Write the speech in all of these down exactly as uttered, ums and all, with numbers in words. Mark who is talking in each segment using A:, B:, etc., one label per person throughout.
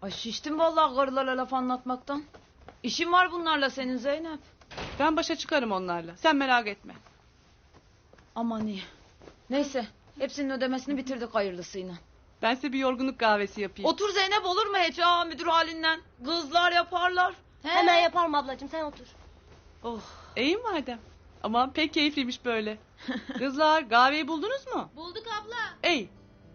A: Ay şiştim vallahi karılara laf anlatmaktan. İşin var bunlarla senin Zeynep.
B: Ben başa çıkarım onlarla. Sen merak etme.
A: Aman iyi. Neyse hepsinin ödemesini bitirdik hayırlısıyla.
B: Ben size bir yorgunluk kahvesi yapayım.
A: Otur Zeynep, olur mu hiç ha müdür halinden? Kızlar yaparlar. He.
C: Hemen yaparım ablacığım, sen otur.
A: Oh.
B: İyi madem. Aman pek keyifliymiş böyle. Kızlar kahveyi buldunuz mu?
C: Bulduk abla.
B: İyi.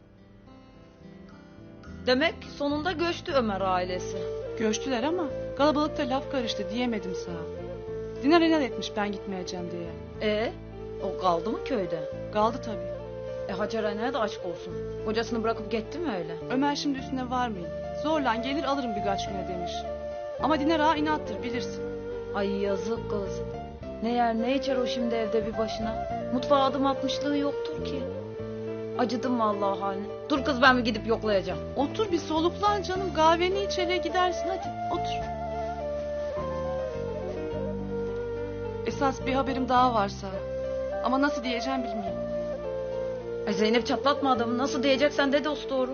A: Demek sonunda göçtü Ömer ailesi.
B: Göçtüler ama kalabalıkta laf karıştı diyemedim sana. Dinar inat etmiş ben gitmeyeceğim diye.
A: E o kaldı mı köyde?
B: Kaldı tabii.
A: E Hacer annene de aşk olsun. Kocasını bırakıp gitti mi öyle?
B: Ömer şimdi üstüne varmayın. Zorla gelir alırım birkaç güne demiş. Ama Dinar ağa inattır bilirsin.
A: Ay yazık kız. Ne yer ne içer o şimdi evde bir başına. Mutfağa adım atmışlığı yoktur ki. Acıdım vallahi haline. Dur kız, ben bir gidip yoklayacağım.
B: Otur bir soluklan canım, kahveni iç hele gidersin hadi otur. Esas bir haberim daha varsa. Ama nasıl diyeceğim bilmiyorum.
A: Ay Zeynep, çatlatma adamı. Nasıl diyeceksen de dost doğru.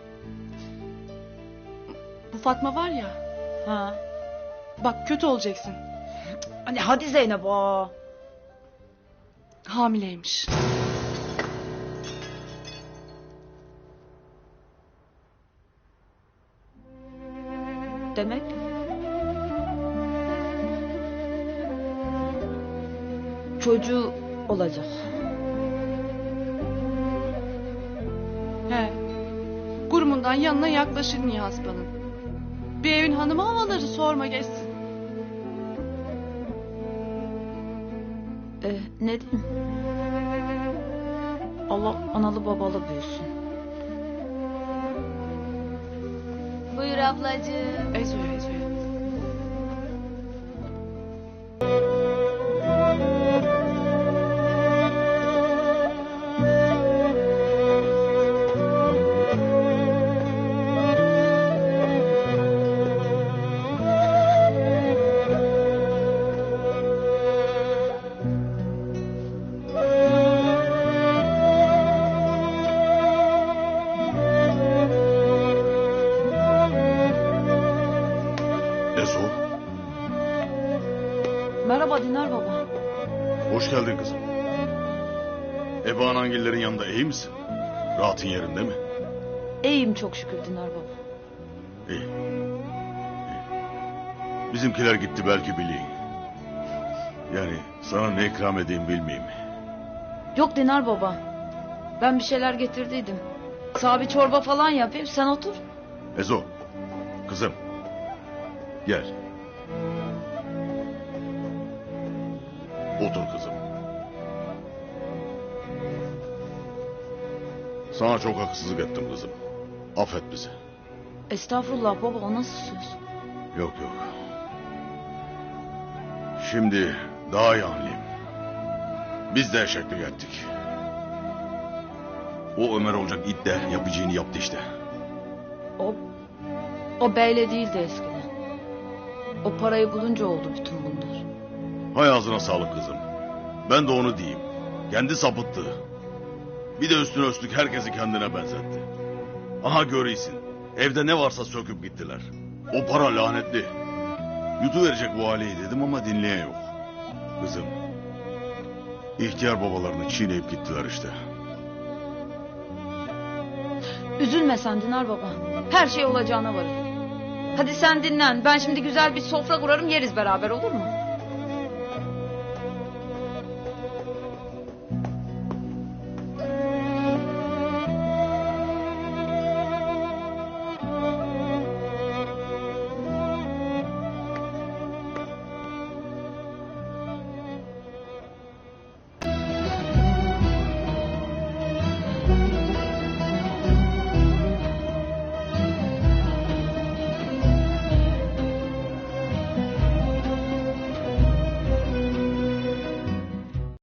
B: Bu Fatma var ya,
A: Ha.
B: bak kötü olacaksın.
A: Hani hadi Zeynep aa.
B: Hamileymiş.
A: Demek. Çocuğu olacak.
B: He. Kurumundan yanına yaklaşır Nihasba'nın. Bir evin hanımı havaları sorma geçsin.
A: Ee, ne diyeyim? Allah analı babalı büyüsün.
C: Buyur ablacığım.
B: Ezoya ezoya.
D: Ezo,
A: Merhaba Dinar baba.
D: hoş geldin kızım. Ebe anangillerin yanında iyi misin? Rahatın yerinde mi?
A: İyiyim çok şükür Dinar baba.
D: İyi. İyi. Bizimkiler gitti belki bileyim. Yani sana ne ikram edeyim bilmeyeyim.
A: Yok Dinar baba. Ben bir şeyler getirdiydim. Sana bir çorba falan yapayım, sen otur.
D: Ezo, kızım. Gel. Otur kızım. Sana çok haksızlık ettim kızım. Affet bizi.
A: Estağfurullah baba, o nasıl söz?
D: Yok yok. Şimdi daha iyi anlayayım. Biz de eşeklik ettik. O Ömer olacak it de yapacağını yaptı işte.
A: O, o beyle değildi eskiden. O parayı bulunca oldu bütün bunlar.
D: Hay ağzına sağlık kızım. Ben de onu diyeyim. Kendi sapıttı. Bir de üstüne üstlük herkesi kendine benzetti. Aha görüyorsun. Evde ne varsa söküp gittiler. O para lanetli. Yutuverecek bu aileyi dedim ama dinleyen yok. Kızım. İhtiyar babalarını çiğneyip gittiler işte.
A: Üzülme sen Dinar baba. Her şey olacağına varır. Hadi sen dinlen. Ben şimdi güzel bir sofra kurarım, yeriz beraber, olur mu?